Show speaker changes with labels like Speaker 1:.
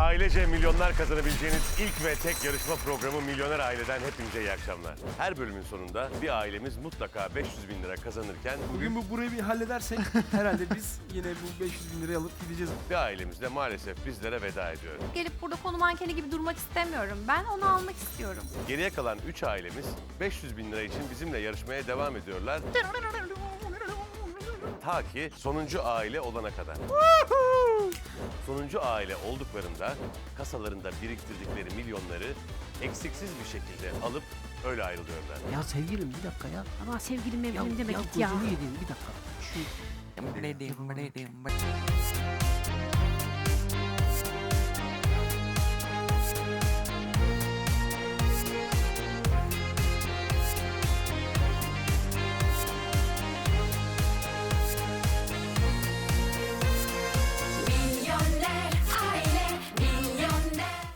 Speaker 1: Ailece milyonlar kazanabileceğiniz ilk ve tek yarışma programı Milyoner Aile'den hepinize iyi akşamlar. Her bölümün sonunda bir ailemiz mutlaka 500 bin lira kazanırken
Speaker 2: Bugün burayı bir halledersek herhalde biz yine bu 500 bin lirayı alıp gideceğiz.
Speaker 1: bir ailemiz de maalesef bizlere veda ediyor.
Speaker 3: Gelip burada konu mankeni gibi durmak istemiyorum. Ben onu almak istiyorum.
Speaker 1: Geriye kalan 3 ailemiz 500 bin lira için bizimle yarışmaya devam ediyorlar. Ta ki sonuncu aile olana kadar. Sonuncu aile olduklarında kasalarında biriktirdikleri milyonları eksiksiz bir şekilde alıp öyle ayrılıyorlar.
Speaker 4: Ya sevgilim bir dakika ya.
Speaker 3: Ama sevgilim
Speaker 4: Ya,
Speaker 3: evlenim deme
Speaker 4: ya
Speaker 3: git ya.
Speaker 4: gözünü yediğim bir dakika. Şu